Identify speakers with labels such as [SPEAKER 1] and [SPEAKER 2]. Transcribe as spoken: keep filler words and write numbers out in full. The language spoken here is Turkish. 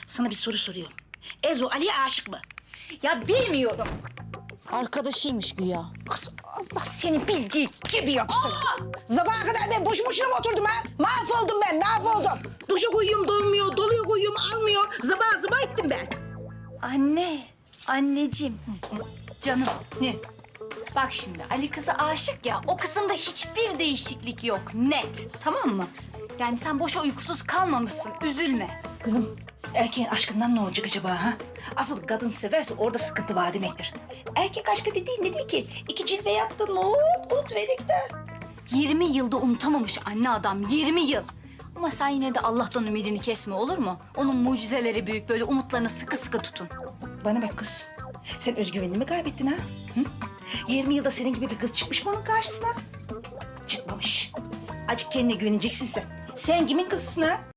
[SPEAKER 1] Sana bir soru soruyorum. Ezo Ali'ye aşık mı?
[SPEAKER 2] Ya bilmiyorum.
[SPEAKER 3] Arkadaşıymış güya.
[SPEAKER 1] Kız Allah seni bildiği gibi yapsın. Sabaha kadar ben boşu boşuna mı oturdum ha? Mahvoldum ben, mahvoldum. Duşa koyuyorum dolmuyor, doluya koyuyorum almıyor. Zıba zıba ettim ben.
[SPEAKER 2] Anne, anneciğim, canım.
[SPEAKER 1] Ne?
[SPEAKER 2] Bak şimdi Ali kıza aşık ya, o kısımda hiçbir değişiklik yok, net. Tamam mı? Yani sen boşa uykusuz kalmamışsın, üzülme.
[SPEAKER 1] Kızım, erkeğin aşkından ne olacak acaba ha? Asıl kadın severse orada sıkıntı var demektir. Erkek aşkı dediğin ne değil ki? İki cilve yaptın, hop unutverik de.
[SPEAKER 2] yirmi yılda unutamamış anne adam, yirmi yıl. Ama sen yine de Allah'tan ümidini kesme, olur mu? Onun mucizeleri büyük, böyle umutlarını sıkı sıkı tutun.
[SPEAKER 1] Bana bak kız, sen özgüvenini mi kaybettin ha? Hı? yirmi yılda senin gibi bir kız çıkmış mı onun karşısına? Cık, çıkmamış. Acık kendine güveneceksin sen. Sen kimin kızısın ha?